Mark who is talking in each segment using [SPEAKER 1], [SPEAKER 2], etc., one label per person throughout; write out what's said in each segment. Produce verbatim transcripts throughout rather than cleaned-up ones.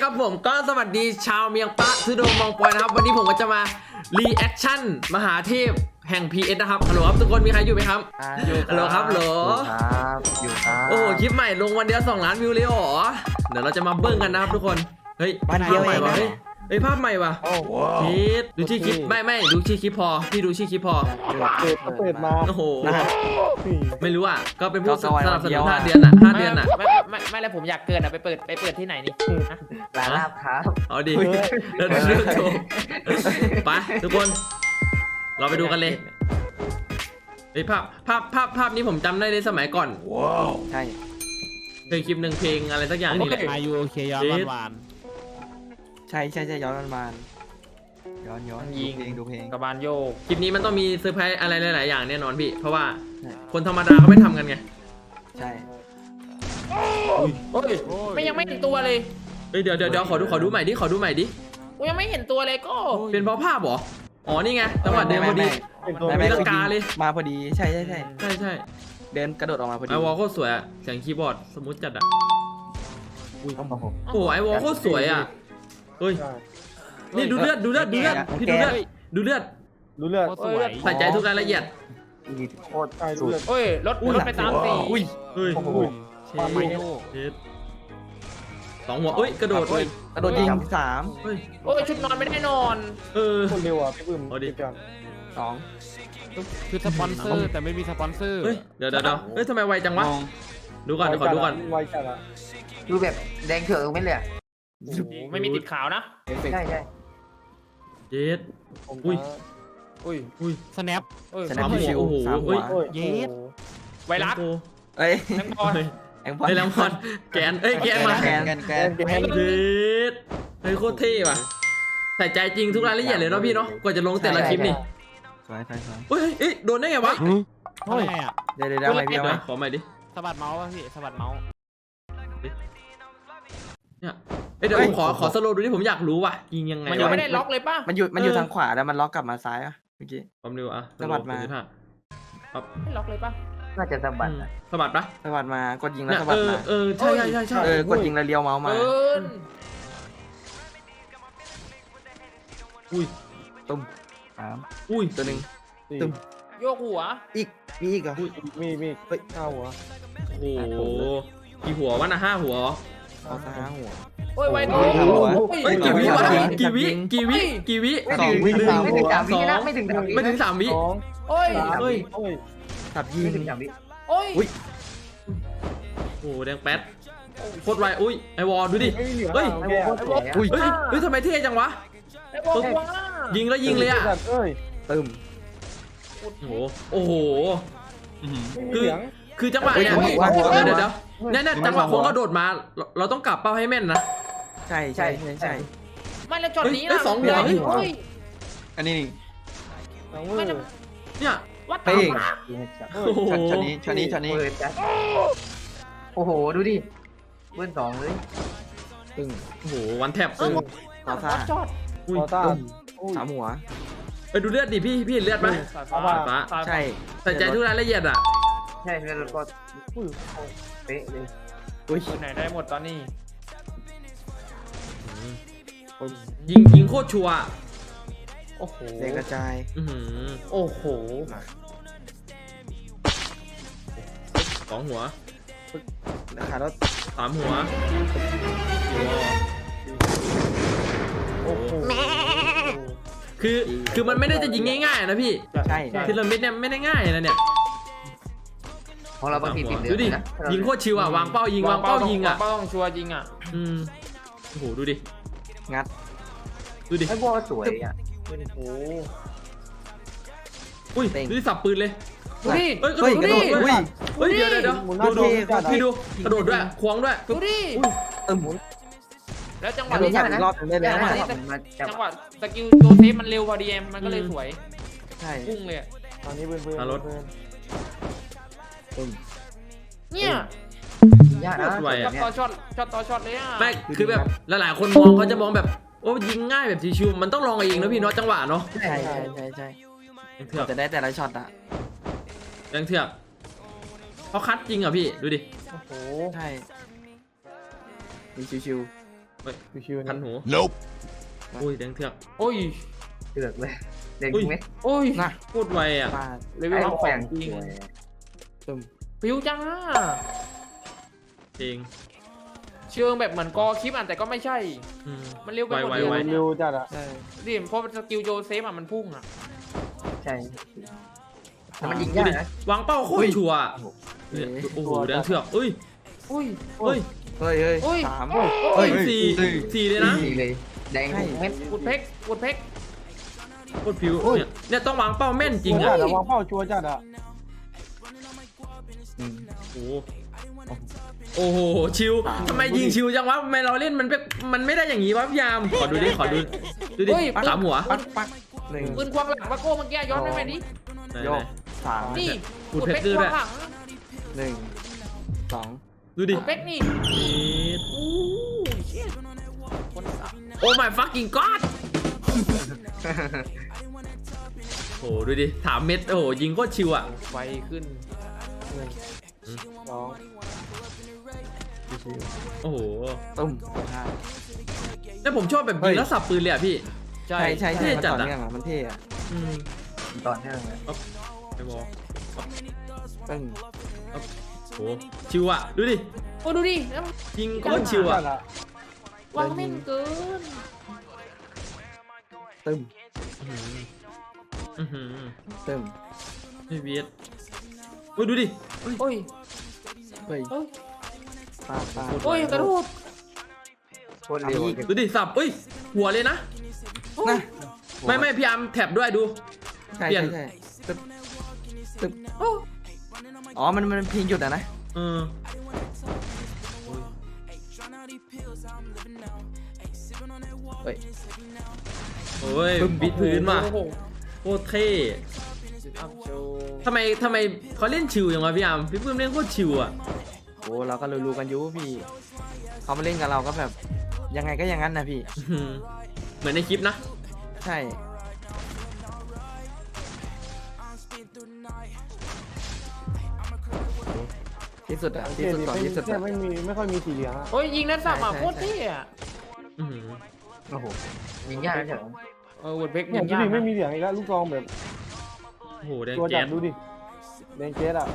[SPEAKER 1] ครับผมก็สวัสดีชาวเมียงปะทุดงมองปอยนะครับวันนี้ผมก็จะมารีแอคชั่นมหาเทพแห่ง พี เอส นะครับฮัลโหลครับทุกคนมีใครอยู่ไหมครับฮัลโหลครับฮัลโหล
[SPEAKER 2] ครับอยู่ครับ
[SPEAKER 1] โอ้โหคลิปใหม่ลงวันเดียวสองล้านวิวเลยเหรอเดี๋ยวเราจะมาเบิ้งกันนะครับทุกคนเฮ้ย
[SPEAKER 2] วันเดียว
[SPEAKER 1] ภาพใหม่
[SPEAKER 2] เอง
[SPEAKER 1] ว่ะ
[SPEAKER 2] นะ
[SPEAKER 1] เฮ้ยเฮ้ยภาพใหม่ว่ะ
[SPEAKER 3] โอ้โห
[SPEAKER 1] พีทดูชื่อคลิปไม่ไม่ดูชื่อคลิปพอพี่ดูชื่อคลิปพอ
[SPEAKER 3] เปิดเปิดมา
[SPEAKER 1] โอ้โห
[SPEAKER 2] นะ
[SPEAKER 1] ไม่รู้อ่ะก็เป็นผู้ส
[SPEAKER 2] ก็ก็วัน
[SPEAKER 1] นับส
[SPEAKER 2] เดี
[SPEAKER 1] นุ
[SPEAKER 2] ย
[SPEAKER 1] น
[SPEAKER 2] ว
[SPEAKER 1] ห้า
[SPEAKER 2] อะ
[SPEAKER 1] เดือนอ่ะห้าเดือนอ่ะ
[SPEAKER 4] ไม่ไม่ไม่แล้วผมอยากเกินอ่ะไปเปิดไปเปิดที่ไหนนี่ฮะ
[SPEAKER 2] ร้านลาบครับ
[SPEAKER 1] เอาดิเดี๋ยวเรื่องโชว์ไปทุกคนเราไปดูกันเลยเฮ้ยภาพภาพภาพภาพนี้ผมจำได้เลยสมัยก่อน
[SPEAKER 2] ใช่
[SPEAKER 1] เคยคลิปหนึ่งเพลงอะไรสักอย่างนี่แหละ
[SPEAKER 3] อายุโอเคย้อนวันวาน
[SPEAKER 2] ใช่ใช่ใช่ย้อนมันมาย้อนย้อนดูเพลงดูเพลง
[SPEAKER 4] กระบาลโยก
[SPEAKER 1] คลิปนี้มันต้องมีเซอร์ไพรส์อะไรหลายๆอย่างแน่นอนพี่เพราะว่า
[SPEAKER 2] ใช่
[SPEAKER 1] คนธรรมดาเขาไม่ทำกันไง
[SPEAKER 2] ใช่
[SPEAKER 4] โอ้ยไม่ยังไม่เห็นตัวเลย
[SPEAKER 1] เฮ้ยเดี๋ยวเดี๋ยวเดี๋ยวขอดูขอดูใหม่ดิขอดูใหม่ดิ
[SPEAKER 4] กูยังไม่เห็นตัวเลยก็
[SPEAKER 1] เป็นเพราะภาพเหรออ๋อนี่ไงจังหวะเดินพอดี
[SPEAKER 2] ไม่ไม่
[SPEAKER 1] มีลังกาเลย
[SPEAKER 2] มาพอดีใช่ใช่ใช่
[SPEAKER 1] ใช่ใช่
[SPEAKER 2] เดินกระโดดออกมาพอดี
[SPEAKER 1] ไอวอลโคตรสวยอะเสียงคีย์บอร์ดสมูทจัดอะ
[SPEAKER 2] ต้องมาผม
[SPEAKER 1] โอ้โหไอวอลโคตรสวยอะเฮ้ยนี่ดูเลือดดูเลือดดูเลือดพี่ดูเลือดดูเลือด
[SPEAKER 3] รู้เรื่อง
[SPEAKER 4] สวย
[SPEAKER 1] ใส่ใจทุกรายละเอียด
[SPEAKER 2] โคตร
[SPEAKER 3] ใช่
[SPEAKER 2] สุ
[SPEAKER 3] รู้
[SPEAKER 2] ด
[SPEAKER 3] เรื่อง
[SPEAKER 4] โอ้ยรถรถไปตามสี
[SPEAKER 2] อุ้ย
[SPEAKER 1] เฮ้ย
[SPEAKER 3] โอ้โห
[SPEAKER 1] เช
[SPEAKER 3] ความไม่
[SPEAKER 1] ฟ
[SPEAKER 3] โง่
[SPEAKER 1] เชฟสองหัวเอ้ยกระโดดเลย
[SPEAKER 2] กระโดดยิงสาม
[SPEAKER 1] เฮ้ย
[SPEAKER 4] โอ้ยชุดนอนไม่ได้นอน
[SPEAKER 1] เออ
[SPEAKER 3] คนเร็วอ่ะพี่บึ้ม
[SPEAKER 1] เอาดิ
[SPEAKER 3] จัง
[SPEAKER 2] สอง
[SPEAKER 3] คือสปอนเซอร์แต่ไม่มีสปอนเซอร์
[SPEAKER 1] เฮ้ยเดี๋ยวเดี๋ยวเดี๋ยวเฮ้ยทำไมไวจังวะดูก่อนเดี๋ยวขอดูก่อน
[SPEAKER 3] ไวจัดอ่ะ
[SPEAKER 5] ดูแบบแดงเถือกไม่เลยอะ
[SPEAKER 4] โอ้โหไม่มีติดขาวนะ
[SPEAKER 2] เอฟเฟก
[SPEAKER 5] ใช่
[SPEAKER 2] ต์
[SPEAKER 5] ใช่
[SPEAKER 1] เยส
[SPEAKER 3] ผม
[SPEAKER 1] อุ้ย
[SPEAKER 4] อุ้ย
[SPEAKER 1] อุ้ย
[SPEAKER 3] สแนป
[SPEAKER 4] โอ้ย
[SPEAKER 2] สแนป
[SPEAKER 1] สามหัว
[SPEAKER 2] ชิว
[SPEAKER 1] โอ้โห
[SPEAKER 2] สามหั
[SPEAKER 1] เฮ้
[SPEAKER 2] วย
[SPEAKER 3] โอ้ยเยส
[SPEAKER 4] ไวรัส
[SPEAKER 1] โอ้
[SPEAKER 2] เอ้ย
[SPEAKER 4] แตงบอล
[SPEAKER 1] เฮ้ย
[SPEAKER 2] แองพอ
[SPEAKER 1] เฮ้ยแลมพอนแกนเอ้ยแกนมา
[SPEAKER 2] แกนแกนแกน
[SPEAKER 3] แกน
[SPEAKER 1] เยสเฮ้ยโคตรเท่ว่ะใส่ใจจริงทุกรายละเอียดเลยเนาะพี่เนาะกว่าจะลงแต่ละคลิปนี่
[SPEAKER 2] สวยสวยสวย
[SPEAKER 1] เฮ้ยเฮ้ยโดนได้ไงวะ
[SPEAKER 3] เฮ้ยอ่ะ
[SPEAKER 2] เดี๋ยวเดี๋ยวเดี๋ยวไปพี่เอา
[SPEAKER 1] เดี๋
[SPEAKER 2] ไหม
[SPEAKER 1] ยวขอใหม่ดิ
[SPEAKER 3] สะบัดเมาส์ป่ะพี่สะบัดเมาส์
[SPEAKER 1] เนี่ยเอ้ยเดี๋ยวผมขอขอสโลว์ดูที่ผมอยากรู้ว่ะยิงยังไง
[SPEAKER 4] มันยัง
[SPEAKER 1] วะ
[SPEAKER 4] ไม่ได้ล็อกเลยป่ะ
[SPEAKER 2] มันอยู่มันอยู่ทางขวาแล้วมันล็อกกลับมาซ้ายอ่ะเมื่อกี้
[SPEAKER 1] ความเร็วอะ
[SPEAKER 2] สะบัดมา
[SPEAKER 1] ศูนย์จุห้ครับ
[SPEAKER 4] ไม่ล็อกเลยป่ะ
[SPEAKER 5] น่าจะสะบัด
[SPEAKER 1] อืม
[SPEAKER 5] อะ
[SPEAKER 1] สะบัดปะ
[SPEAKER 2] สะบัดมากดยิงแล้ว
[SPEAKER 1] เนี่ย
[SPEAKER 2] สะบั
[SPEAKER 1] เอ
[SPEAKER 2] ด
[SPEAKER 1] อ
[SPEAKER 2] มา
[SPEAKER 1] เออใช่ใช่ใช่ใช่
[SPEAKER 2] เออกดยิงแล้วเลี้ยวเมาส์มา
[SPEAKER 4] เกิน
[SPEAKER 1] อุ้ย
[SPEAKER 2] ตุ้มสาม
[SPEAKER 1] อุ้ย
[SPEAKER 2] ตัวหนึ่ง
[SPEAKER 3] สี่
[SPEAKER 2] ตึ้ม
[SPEAKER 4] โยกหัว
[SPEAKER 2] อีกมีอีกเหรอ
[SPEAKER 3] มีมี
[SPEAKER 2] เฮ้ย
[SPEAKER 3] ข้าวหัว
[SPEAKER 1] โอ้โหกี่หัววะนะห้าหัว
[SPEAKER 2] เอาซะห้าหัว
[SPEAKER 4] โอ้ยไว
[SPEAKER 2] โอ้
[SPEAKER 4] โก้
[SPEAKER 2] ย
[SPEAKER 1] เฮ้ยกี่วิวะกี่วิกี่วิกี่วิ
[SPEAKER 5] ไม่
[SPEAKER 2] ส
[SPEAKER 5] ถึ
[SPEAKER 2] อง
[SPEAKER 5] ง
[SPEAKER 2] วิ
[SPEAKER 5] ไม่ถึงสามวินะไม่ถึงสามวิ
[SPEAKER 1] ไม่ถึงสามวิ
[SPEAKER 3] สอง
[SPEAKER 4] โอ้ย
[SPEAKER 3] สาม
[SPEAKER 1] เฮ้ย
[SPEAKER 3] โอ้ย
[SPEAKER 2] สับยิ
[SPEAKER 5] ไม่
[SPEAKER 2] ง
[SPEAKER 5] ถึงสามวิ
[SPEAKER 4] โอ้ย
[SPEAKER 2] อุ๊ย
[SPEAKER 1] โอ้โหแดงแป๊ดโคตรไวอุ้ยไอวอลดูดิ
[SPEAKER 3] ไม่มีเหลือ
[SPEAKER 1] เฮ้ย
[SPEAKER 3] แก
[SPEAKER 5] โคตรสวยอะ
[SPEAKER 2] อุ้ย
[SPEAKER 1] เฮ้ยเฮ้ยทำไมเท่จังวะ
[SPEAKER 4] ไอ้บอกว่า
[SPEAKER 1] ยิงแล้วยิงเลยอะ
[SPEAKER 3] เอ้ย
[SPEAKER 2] ตึม
[SPEAKER 1] โอ้โหโอ้โห
[SPEAKER 3] ไม่มีเหลือง
[SPEAKER 1] คือจังหวะเนี่ย
[SPEAKER 2] เฮ้ย
[SPEAKER 1] เดี๋ยวเดี๋ยวเดี๋ยวเนี่ยเนี่ยจังหวะคนกระโดดมาเราเราต้องกลับเป้าให้แม่นนะ
[SPEAKER 2] ใช่ใช่ใช่ใช่
[SPEAKER 4] ไม่แล้วจอดนี้
[SPEAKER 1] เฮ้ย
[SPEAKER 4] นะ
[SPEAKER 1] สองหัว
[SPEAKER 4] เฮ้ย
[SPEAKER 2] อันนี้นี่
[SPEAKER 3] สองมือ
[SPEAKER 4] ไม่ได้
[SPEAKER 1] เนี่ย
[SPEAKER 4] วัด
[SPEAKER 2] เฮ้
[SPEAKER 4] ตาย ม
[SPEAKER 1] โอ้โห
[SPEAKER 2] ช็อตช็อตนี้ช็อตนี้ช็อตนี้
[SPEAKER 5] เปิดจ้ะโอ้โหดูดิเบิ้ลสองเลย
[SPEAKER 2] ตึง
[SPEAKER 1] โอ้โหวันแท็บ
[SPEAKER 4] เออ
[SPEAKER 2] ขอซ่า
[SPEAKER 4] จอด
[SPEAKER 1] อุ้ย
[SPEAKER 3] คอต้า
[SPEAKER 2] ตึม
[SPEAKER 3] อุ้ย
[SPEAKER 2] สามหัว
[SPEAKER 1] ไปดูเลือดดิพี่พี่เห็นเลือดไหม
[SPEAKER 4] สายฟ้า
[SPEAKER 1] ฟ้า
[SPEAKER 4] สายฟ้า
[SPEAKER 2] ใช่
[SPEAKER 1] ใส่ใจทุกรายละเอียดอ่ะ
[SPEAKER 5] ใช่แล้วก็
[SPEAKER 3] อุ้ย
[SPEAKER 5] เป๊ะเลย
[SPEAKER 2] อุ้ย
[SPEAKER 4] ตัวไหนได้หมดตอนนี้
[SPEAKER 1] ยิงยิงโคตรชัวร์อะ
[SPEAKER 4] โอ้โห
[SPEAKER 2] เด็กกระจาย
[SPEAKER 1] อื้อหือ
[SPEAKER 4] โอ้โห
[SPEAKER 1] สองหัว
[SPEAKER 2] ราคารถ
[SPEAKER 1] สามหัวสี่หัว
[SPEAKER 3] โอ้โห
[SPEAKER 1] คือคือมันไม่ได้จะยิงง่ายๆนะพี่
[SPEAKER 2] ใช่
[SPEAKER 1] ทีละเม็ดเนี่ยไม่ได้ง่ายนะเนี่ย
[SPEAKER 5] ของเราบางทีติดเหลื
[SPEAKER 1] ดู
[SPEAKER 5] อง
[SPEAKER 1] ดิ
[SPEAKER 5] นะ
[SPEAKER 1] ยิงโคตรชิวอ่ะวางเป้ายิงวางเป้ายิงอ่ะ
[SPEAKER 4] วางเป้าต้องชัวร์ยิงอ่ะ
[SPEAKER 1] อืมโอ้โหดูดิ
[SPEAKER 2] งัด
[SPEAKER 1] ดูดิ
[SPEAKER 5] ไอ้บอลสวยอ่ะ
[SPEAKER 3] โอ้โห
[SPEAKER 1] อุ้ยดูดิสับปืนเลย
[SPEAKER 4] ดูดิ
[SPEAKER 1] เฮ้ยกระ
[SPEAKER 2] เฮ้ย
[SPEAKER 1] โด
[SPEAKER 2] กระ
[SPEAKER 1] ด
[SPEAKER 2] โดด
[SPEAKER 1] ด้วย
[SPEAKER 2] อุ้ย
[SPEAKER 1] เฮ้ยเดี๋ยวเดี๋ยวเดี๋ยว
[SPEAKER 3] หมุนหน้า
[SPEAKER 1] ดู
[SPEAKER 3] ดู
[SPEAKER 1] ดูพี่ดูกระโดดด้วยควงด้วย
[SPEAKER 4] ดูดิ
[SPEAKER 2] ตึม
[SPEAKER 4] แล้วจังห
[SPEAKER 2] กระ
[SPEAKER 4] วะ
[SPEAKER 2] โดด
[SPEAKER 4] นี้
[SPEAKER 2] สับอีกรอบหนึงได้เลย
[SPEAKER 5] จังหวะ
[SPEAKER 2] นะ
[SPEAKER 5] นี้มาจับ
[SPEAKER 4] จังหวะสกิลโจเซฟมันเร็วพอดีเอ็มมันก็เลยสวย
[SPEAKER 2] ใช่
[SPEAKER 4] พุ่งเลยอะ
[SPEAKER 3] ตอนนี้เบิ้ลเบิ้ล
[SPEAKER 2] ตึม
[SPEAKER 4] เนี่ย
[SPEAKER 5] ยากนะ
[SPEAKER 1] โคตรไว
[SPEAKER 4] ช็อ
[SPEAKER 1] อ่ะ
[SPEAKER 4] ตต่อช็อตช็อตต่อช็อตเลยอ่ะ
[SPEAKER 1] ไม่คือแบบหลายๆคนมองเขาจะมองแบบโอ้ยิงง่ายแบบชิวๆมันต้องลองเองนะพี่เนาะจังหวะเนาะ
[SPEAKER 2] ใช่ใช่ใช่ใช่
[SPEAKER 1] ยังเถือก
[SPEAKER 2] จะได้แต่ละช็อตอะ
[SPEAKER 1] ยังเถือกเขาคัดจริงอ่ะพี่ดูดิ
[SPEAKER 3] โอ้โห
[SPEAKER 2] ใช่มีชิว
[SPEAKER 1] เฮ้ย
[SPEAKER 3] ชิวๆ
[SPEAKER 1] คั
[SPEAKER 3] นะ
[SPEAKER 1] นหู
[SPEAKER 6] Nope.
[SPEAKER 1] อุ้ยแดงเถือก
[SPEAKER 4] โอ้ย
[SPEAKER 5] เดือดเลยเด็ก
[SPEAKER 1] อุ้ย
[SPEAKER 5] ไหม
[SPEAKER 4] โอ้ย
[SPEAKER 2] นะ
[SPEAKER 1] พูดไวอ่ะ
[SPEAKER 2] ปาด
[SPEAKER 4] เลเวล
[SPEAKER 5] ไอ้
[SPEAKER 4] ส
[SPEAKER 5] พ
[SPEAKER 4] อ
[SPEAKER 5] วกอย่าง
[SPEAKER 4] งจริง
[SPEAKER 5] สวย
[SPEAKER 2] ตึม
[SPEAKER 4] ผิวจ้า
[SPEAKER 1] จริง
[SPEAKER 4] เชิงแบบเหมือนกอคลิปอ่ะแต่ก็ไม่ใช่
[SPEAKER 1] อืม
[SPEAKER 4] มันเร็วไป
[SPEAKER 1] ไว
[SPEAKER 4] หมด
[SPEAKER 1] ไว
[SPEAKER 4] เลย
[SPEAKER 1] ไว
[SPEAKER 4] นะ
[SPEAKER 3] เร็วจัดอะ
[SPEAKER 2] ใช่
[SPEAKER 4] ดิเพราะสกิลโจเซฟอ่ะมันพุ่งอ่ะ
[SPEAKER 5] ใช่แต่มันยิง
[SPEAKER 1] ดู
[SPEAKER 5] ยาก
[SPEAKER 1] ดิ
[SPEAKER 5] นะ
[SPEAKER 1] วางเป้าโคตรชัวร์เนี่ยโอ้โหแดงเถือกอุ้ย
[SPEAKER 4] อุ้ย
[SPEAKER 1] เฮ้ย
[SPEAKER 2] เฮ้ยเฮ้ย
[SPEAKER 4] โอ้ย
[SPEAKER 2] สาม
[SPEAKER 1] เฮ้
[SPEAKER 2] เฮ้
[SPEAKER 1] ย
[SPEAKER 2] ย
[SPEAKER 1] สี่
[SPEAKER 2] สี่
[SPEAKER 1] สี่เลยนะ
[SPEAKER 5] ดีเลยแดงทุกเม็ด
[SPEAKER 4] กุดเพกกุดเพก
[SPEAKER 1] โคตรผิวเนี่ยเนี่ยต้องวางเป้าแม่นจริง
[SPEAKER 3] จั
[SPEAKER 1] อ่ะ
[SPEAKER 3] ดอะวางเป้าชัวร์จัดอะ
[SPEAKER 5] อืม
[SPEAKER 1] โอ้โหโอ้โหชิวทำไมยิงชิวจังวะทำไมเราเล่นมันเป็นมันไม่ได้อย่างนี้วะพี่ยามขอดูดิขอดูดูดิสามหัว
[SPEAKER 2] ปักปักหนึ่ง
[SPEAKER 4] ปืนควงหลังปะโก้เมื่อกี้ย้อนไปไหมดิ
[SPEAKER 1] ไหน
[SPEAKER 2] โย
[SPEAKER 1] ไหน
[SPEAKER 2] กสาม
[SPEAKER 4] นี่
[SPEAKER 1] กุด
[SPEAKER 4] กุด
[SPEAKER 1] เพ
[SPEAKER 4] เพ
[SPEAKER 1] ช
[SPEAKER 4] ก
[SPEAKER 1] รด้วย
[SPEAKER 4] ควงหลัง
[SPEAKER 2] หนึ่งสอง
[SPEAKER 1] ดูดิ
[SPEAKER 4] กุดเพกนี่
[SPEAKER 1] เอ็ด
[SPEAKER 4] อู้ยเชี่ยคนสับ
[SPEAKER 1] โอ้ my fucking god โอ้โหดูดิถามเม็ดโอ้โหยิงโคตรชิวอ่ะ
[SPEAKER 4] ไวขึ้น
[SPEAKER 3] สอง
[SPEAKER 1] โอ้โห
[SPEAKER 2] ตุ้มห้า
[SPEAKER 1] แล้วผมชอบแบบ
[SPEAKER 2] เฮ้
[SPEAKER 1] ยิง
[SPEAKER 2] ย
[SPEAKER 1] แล้วสับปืนเลยอ่ะพี่
[SPEAKER 4] ใช่
[SPEAKER 2] ใช่ใช่
[SPEAKER 1] เท่
[SPEAKER 2] ใช่มัน
[SPEAKER 1] จัด
[SPEAKER 2] ต่อ
[SPEAKER 1] อะ
[SPEAKER 2] เนื่องอ่ะมันเท่อะ
[SPEAKER 1] อืม
[SPEAKER 5] ตอนเนื่องเลย
[SPEAKER 1] ไอ้บอล
[SPEAKER 2] ตึ้ง
[SPEAKER 1] โอ้โหชิวอ่ะดูดิ
[SPEAKER 4] โอ้ดูดิแล้ว
[SPEAKER 1] ยิงโคตรชิว
[SPEAKER 3] จั
[SPEAKER 1] อ่ะ
[SPEAKER 3] ดอะ
[SPEAKER 4] วางแม่นเกิน
[SPEAKER 2] ตึ้ม
[SPEAKER 1] อือหือ
[SPEAKER 2] ตึ้ม
[SPEAKER 1] ไม่เวียดโอ้ยดูดิ
[SPEAKER 4] โอ้ย
[SPEAKER 2] เฮ้ย
[SPEAKER 4] เฮ้ย
[SPEAKER 2] ปาดปาด
[SPEAKER 4] โอ้ยกระโดด
[SPEAKER 5] โคตรเร็ว
[SPEAKER 1] ดูดิสับเอ้ยหัวเลยนะ
[SPEAKER 2] นะ
[SPEAKER 1] ไม่ไม่พี่อาร์มแท็บด้วยดู
[SPEAKER 2] ใช่
[SPEAKER 1] เปลี่ยน
[SPEAKER 2] ใช่ใช่ตึ๊บตึ๊บอ๋อมันมันเพียงหยุดอะนะ
[SPEAKER 1] เออ
[SPEAKER 2] เฮ้ย
[SPEAKER 1] โอ้ยบิดพื้นว่ะ
[SPEAKER 4] โอ้โห
[SPEAKER 1] โคตรเท่
[SPEAKER 4] อัพโชว์
[SPEAKER 1] ทำไมทำไมเขาเล่นชิวอย่างวะพี่อาร์มพี่ปื้มเล่นโคตรชิวอ่ะ
[SPEAKER 2] โอ้เราก็รู้ๆกันอยู่พี่เขามาเล่นกับเราก็แบบยังไงก็อย่างนั้นนะพี่
[SPEAKER 1] อื้อหือเหมือนในคลิปนะ
[SPEAKER 2] ใช่ที่สุดอะที่สุดก่อนที่สุด
[SPEAKER 3] แค่
[SPEAKER 2] อะ
[SPEAKER 3] ไม่มีไม่ค่อยมีสีเหลืองอะ
[SPEAKER 4] โอ้ยยิงนั้นสับอ่ะ
[SPEAKER 2] ใช่
[SPEAKER 4] โคตรเท่อะ
[SPEAKER 1] อื้อหือ
[SPEAKER 5] โอ้โหยิงยากนะเฉย
[SPEAKER 4] เออวุดเพก
[SPEAKER 3] เนี่
[SPEAKER 4] ยิ
[SPEAKER 3] ย
[SPEAKER 4] ง
[SPEAKER 3] ดู
[SPEAKER 4] ยาก
[SPEAKER 3] ดิไม่
[SPEAKER 4] นะ
[SPEAKER 3] มีเหลืองอีกแล้วลูกซองแบบ
[SPEAKER 1] โอ้โหแดง
[SPEAKER 3] ตัวจั
[SPEAKER 1] แก๊
[SPEAKER 3] ด
[SPEAKER 1] ส
[SPEAKER 3] ดูดิแดงเจสอะ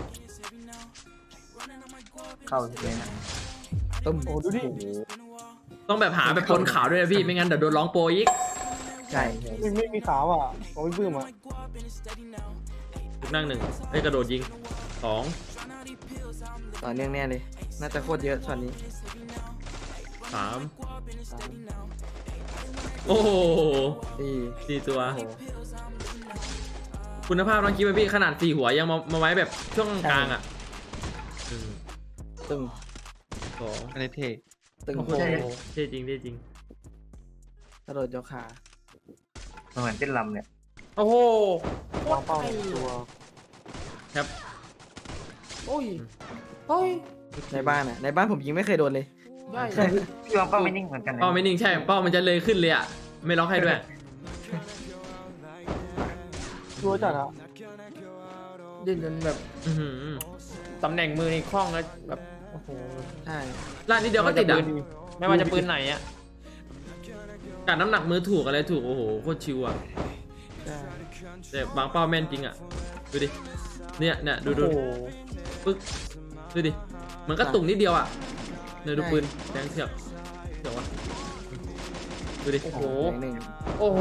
[SPEAKER 5] เข้าเลยนะ
[SPEAKER 2] ตุ้ม
[SPEAKER 3] โอ้ดูดิ
[SPEAKER 1] ต้องแบบหาแบบปนขาวด้วยนะพี่ไม่งั้นเดี๋ยวโดนร้องโปรอีก
[SPEAKER 2] ใช่
[SPEAKER 3] ไม่ไม่มีขาวอะของพี่ปื้มอะ
[SPEAKER 1] ลูกนั่งหนึ่งไอ้ยกระโดดยิงสอง
[SPEAKER 2] ต่อเนื่องแน่เลย น่าจะโคตรเยอะช็อตนี้
[SPEAKER 1] สาม
[SPEAKER 2] สาม
[SPEAKER 1] โอ้โห
[SPEAKER 2] สี่
[SPEAKER 1] สี่ตัว
[SPEAKER 2] โอ้โห
[SPEAKER 1] คุณภาพน้องคิดไหมพี่ขนาดสี่หัวยังมามาไว้แบบช่วงกลางอ่ะหนึ่ง
[SPEAKER 2] ตึ้ง
[SPEAKER 1] สอง
[SPEAKER 6] อันนี้เท่
[SPEAKER 2] ตึ้ง
[SPEAKER 1] โอ้โห
[SPEAKER 2] โอ้โห
[SPEAKER 1] เท่จริงเท่จริง
[SPEAKER 2] กระโดดยกขา
[SPEAKER 5] เหมือนเต้นลำเนี่ย
[SPEAKER 4] โอ้โหโคว
[SPEAKER 3] าง
[SPEAKER 4] ตร
[SPEAKER 3] เป้า
[SPEAKER 4] เท่
[SPEAKER 3] ตัว
[SPEAKER 1] ครับ
[SPEAKER 4] โอ้ยเฮ้ย
[SPEAKER 2] ในบ้านอะในบ้านผมยิงไม่เคยโดนเลย
[SPEAKER 4] ใช่
[SPEAKER 5] พี่วางเป้าไม่นิ่งเหมือนกันนะ
[SPEAKER 1] เป้าไม่นิ่งใช่เป้ามันจะเลยขึ้นเลยอ่ะไม่ล็อกให้ด้วย
[SPEAKER 3] ตัวจัดอะ
[SPEAKER 4] ดินจนแบบ
[SPEAKER 1] อื้อหือ
[SPEAKER 4] ตำแหน่งมือในคล่องแล้วแบบโอ้โห
[SPEAKER 2] ใช่
[SPEAKER 1] ล่านนิดเดียวก็ติดอ่ะ
[SPEAKER 4] ไม่ว่าจะปืนไหนอ่ะ
[SPEAKER 1] การน้ำหนักมือถูกอะไรถูกโอ้โหโคตรชิวอ่ะ
[SPEAKER 2] ใช่
[SPEAKER 1] แต่บางเป้าแม่นจริงอ่ะดูดิเนี่ยเนี่ยดูดู
[SPEAKER 4] โอ้โห
[SPEAKER 1] ปึ๊กดูดิเหมือนกระตุกนิดเดียวอ่ะเนี่ยดูปืนแดงเถือกเถือกวะดูดิ
[SPEAKER 4] โอ้โห
[SPEAKER 2] หนึ่ง
[SPEAKER 4] โอ้โห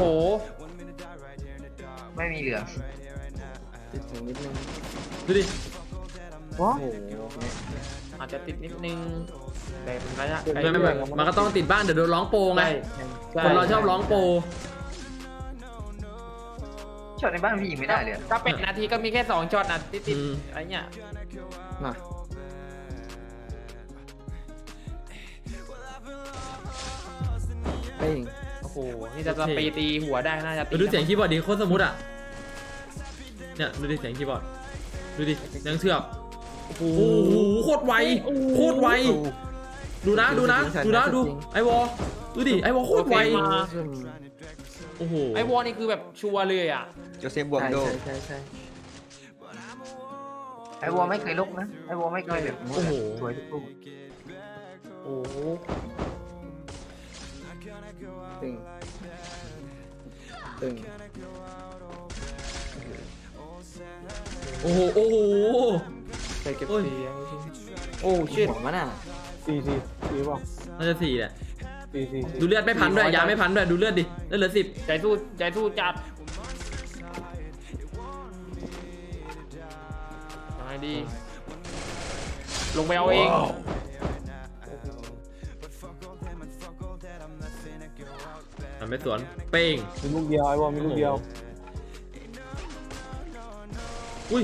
[SPEAKER 5] ไม่มีเหลือง
[SPEAKER 2] ติดถึงนิดนึง
[SPEAKER 1] ดูดิ
[SPEAKER 3] ว้า
[SPEAKER 2] โอ้โห
[SPEAKER 4] อาจจะติดนิดนึงแต่เป็นระยะ
[SPEAKER 1] ไม่ไม่ไม่มันก็ต้องติดบ้านเดี๋ยวโดนร้องโปรไง
[SPEAKER 4] ใช่
[SPEAKER 1] คนเราชอบร้องโปร
[SPEAKER 5] ช็อตในบ้านพี่ยิงไม่ได้เลยอะ
[SPEAKER 4] ถ้าเป็นนาทีก็มีแค่สองช็อตนะติดติด
[SPEAKER 1] อืม
[SPEAKER 4] อะไรเงี้ย
[SPEAKER 2] น่ะเป้ง
[SPEAKER 4] โอ้โหนี่จะไปตีหัวได้น่าจะตี
[SPEAKER 1] ดูเสียงคีย์บอร์ดดิโคตรสมูทอ่ะเนี่ยดูดิเสียงคีย์บอร์ดดูดิแดงเถือกโอ้โหโคตรไวโคตรไวดูนะดูนะดูนะดูไอวอลดูดิไอวอลโคตรไว
[SPEAKER 2] ซึ่ง
[SPEAKER 1] โอ้โห
[SPEAKER 4] ไอวอลนี่คือแบบชัวร์เลยอ่ะ
[SPEAKER 6] โจเซฟบวก
[SPEAKER 2] ใช่
[SPEAKER 6] โด
[SPEAKER 2] ใช่ใช่ใช่
[SPEAKER 5] ไอ้วอลไม่เคยลุกนะไอ้วอลไม่เคยแบบมุดอะสวยทุกลูก
[SPEAKER 4] โอ้โห
[SPEAKER 2] ตึงตึง
[SPEAKER 1] โอ้โหโอ้โห
[SPEAKER 2] ไปเก็บ
[SPEAKER 1] โอ้ย
[SPEAKER 2] เสียง
[SPEAKER 4] โอ้ชิต
[SPEAKER 2] หัวมันอ่ะ
[SPEAKER 3] สี่สี่สี่เปล่า
[SPEAKER 1] น่าจะสี่แหละ
[SPEAKER 3] สี่สี่สี่
[SPEAKER 1] ดูเลือดไม่พันด้วยยาไม่พันด้วยดูเลือดดิเลือดเหลือสิบ
[SPEAKER 4] ใจสู้ใจสู้จัดยังไงดี ลงไปเอาเอง
[SPEAKER 1] มันไม่สวนเป้ง
[SPEAKER 3] มีลูกเดียวไอ้บอลมีลูกเดียว
[SPEAKER 1] อุ้ย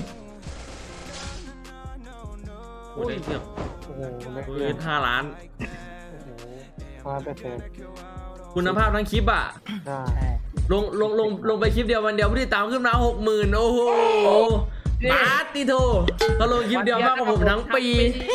[SPEAKER 1] โอ้ยได้เทียบ
[SPEAKER 3] โอ้โหเล็ก
[SPEAKER 1] เฮ้
[SPEAKER 3] เกิ
[SPEAKER 1] ย
[SPEAKER 3] น
[SPEAKER 1] ห้าล้าน
[SPEAKER 3] ห้าเปอร์เซ็นต์
[SPEAKER 1] คุณภาพทั้งคลิปอ่ะ
[SPEAKER 3] อ่า
[SPEAKER 1] ลงลงลงลงไปคลิปเดียววันเดียวผู้ติดตามขึ้นมาหกหมื่นโอ้โหบาสติโทเขาลงคลิปเดียวมากกว่าผมทั้งปี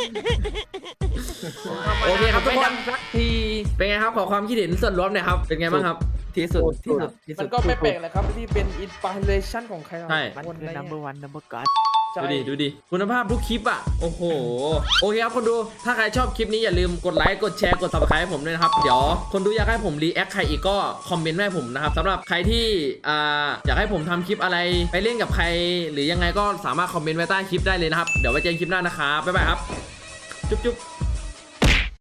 [SPEAKER 1] โอเคครับทุกคน
[SPEAKER 4] สักที
[SPEAKER 1] เป็นไงครับขอความคิดเห็นส่วนรวมหน่อยครับเป็นไงบ้างครับ
[SPEAKER 2] ที่สุดที่สุดที่สุ
[SPEAKER 4] มั
[SPEAKER 2] ด
[SPEAKER 4] นก็ไม่แปลกเลยครับที่เป็นอินสปิเรชันของใคร
[SPEAKER 1] ใช่
[SPEAKER 2] มัน
[SPEAKER 4] คน
[SPEAKER 2] คือ
[SPEAKER 4] อะไร
[SPEAKER 2] number one number god
[SPEAKER 4] ใช่
[SPEAKER 1] ดูดิดูดิคุณภาพทุกคลิปอ่ะโอ้โหโอเคครับคนดูถ้าใครชอบคลิปนี้อย่าลืมกดไลค์กดแชร์กด ซับสไครบ์ ให้ผมด้วยนะครับเดี๋ยวคนดูอยากให้ผมรีแอคใครอีกก็คอมเมนต์ไว้ให้ผมนะครับสำหรับใครที่อ่าอยากให้ผมทำคลิปอะไรไปเล่นกับใคร หรือยังไงก็สามารถคอมเมนต์ไว้ใต้คลิปได้เลยนะครับเดี๋ยวไว้เจอกันคลิปหน้านะครับบ๊ายบายครับจุ๊บจุ๊บ